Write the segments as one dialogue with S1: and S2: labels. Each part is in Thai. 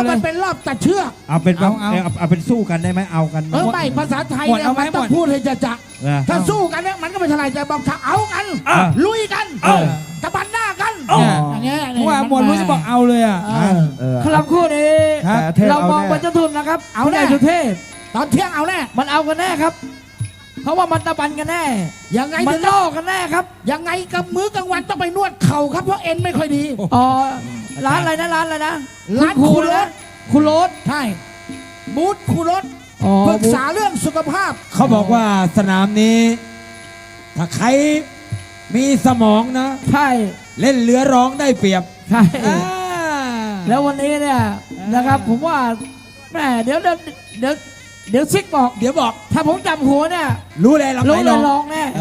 S1: มันเป็นรอบตัดเชือก
S2: เอาเป็นสู้กันได้ไหมเอากัน
S1: ไม่ภาษาไทยเนี่ยมันต้องพูดให้จะถ้าสู้กันเนี่ยมันก็ไม่เท่าไรแต่บอกถ้าเอากันลุยกันตะบันหน้ากันอย่างเงี้ยเพราะว่าหมวดรู้จะบอกเอาเลยอ่ะ
S3: ครับคู่นี้เรามองเป็นเจ้าทุนนะครับเอาแน่สุเทพ
S1: ตอนเที่ยงเอาแน่
S3: มันเอากันแน่ครับเพราะว่ามันตะบันกันแน่
S1: ยังไง
S3: มันล่อกันแน่ครับ
S1: ยังไงกับมื้อกลางวันต้องไปนวดเข่าครับเพราะเอ็นไม่ค่อยดี
S3: อ๋อร้านอะไรนะร้านอะไรนะ
S1: ร้านคูรถใช่บูธคูรถปรึกษาเรื่องสุขภาพ
S4: เขาบอกว่าสนามนี้ถ้าใครมีสมองนะ
S3: ใช่
S4: เล่นเรือร้องได้เปรียบ
S3: ใช่แล้ววันนี้เนี่ยนะครับผมว่าแม่เดี๋ยวซิกบอกถ้าผมจำหัวเนี่ย
S4: รู้เลยร้
S3: องแน่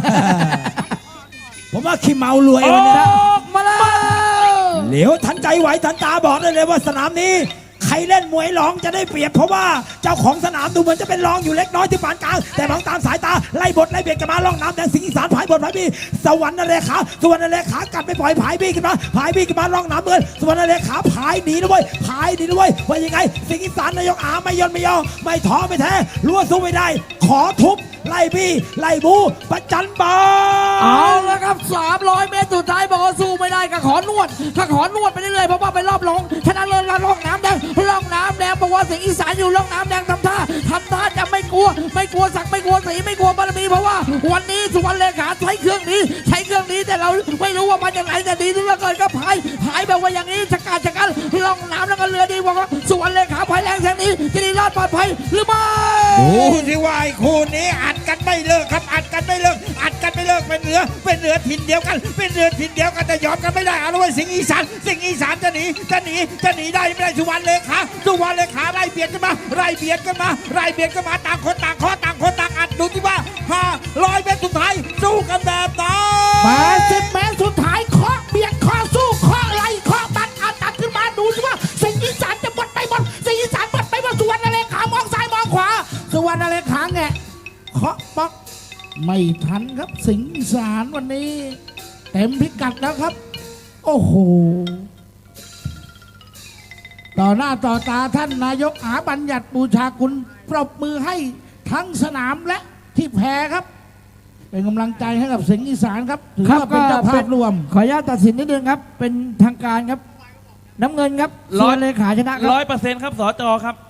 S4: ผมว่าขี้เมารวยวันนี้
S3: มาแล้ว
S4: เหลียวทันใจไหวทันตาบอกได้เลยว่าสนามนี้ใครเล่นมวยร้องจะได้เปรียบเพราะว่าเจ้าของสนามดูเหมือนจะเป็นรองอยู่เล็กน้อยที่ปานกลางแต่มองตามสายตาไล่บทไล่เบียดกันมาล่องน้ำแดงสิงห์อีสานผายบทผายบี้สวรรค์นเรขากัดไปปล่อยผายบี้ขึ้นมาล่องน้ำเงินสวรรค์นเรขาผายหนีด้วยว่ายังไงสิงห์อีสานนายกอาไม่ยอมไม่ท้อไม่แท้รั้วสู้ไม่ได้ขอทุบไล่บี้ไล่บูประจันบาน
S3: เอาแล้วครับ300 เมตรสุดท้ายบอกว่าสู้ไม่ได้ก็ขอนวดไปเรื่อยๆเพราะว่าไปรอบรองชนะเลิศล่องน้ำแดงบอกว่าสิงห์อีสานอยู่ล่องน้ำแดงทำท่าจะไม่กลัวสักไม่กลัวสีไม่กลัวบารมีเพราะว่าวันนี้สุวรรณเลขาใช้เครื่องนี้แต่เราไม่รู้ว่ามันยังไงแต่ดีทุกเกินก็พายแบบว่าอย่างนี้ชะกันล่องน้ำแล้วก็เรือดีบอกว่าสุวรรณเลขาพายแรงแสงนี้จะได้รอดปลอดภัยหรือไม่
S2: ดูสิว่าคู่นี้อัดกันไม่เลิกครับอัดกันไม่เลิกเป็นเหนือถิ่นเดียวกันแต่ยอมกันไม่ได้เอาเลยสิงห์อีสานจะหนีได้ไม่ได้สุวรรณเลขาไล่เบียดกันมาต่างคนต่างอัดดูที่ว่า500 เมตรสุดท้ายสู้กันแบบไหน
S1: 80 เมตรสุดท้ายเคาะเบียดเคาะสู้เคาะไล่เคาะตัดขึ้นมาดูสิว่าสิงห์อีสานจะหมดไปหมดสุวรรณเลขามองซ้ายมองขวาสุวรรณเลขาแงะเคาะป๊อกไม่ทันครับสิงห์อีสานวันนี้เต็มพิกัดแล้วครับโอ้โหต่อหน้าต่อตาท่านนายกอาบัญญัติบูชาคุณปรบมือให้ทั้งสนามและที่แพ้ครับเป็นกำลังใจให้กับสิงห์อีสานครับถือว่าเป็นเจ้าภาพรวม
S3: ขออนุญาตตัดสินนิดนึงครับเป็นทางการครับน้ำเงินครับส่วนเลขาชนะครับ
S5: 100%ครับสจครับ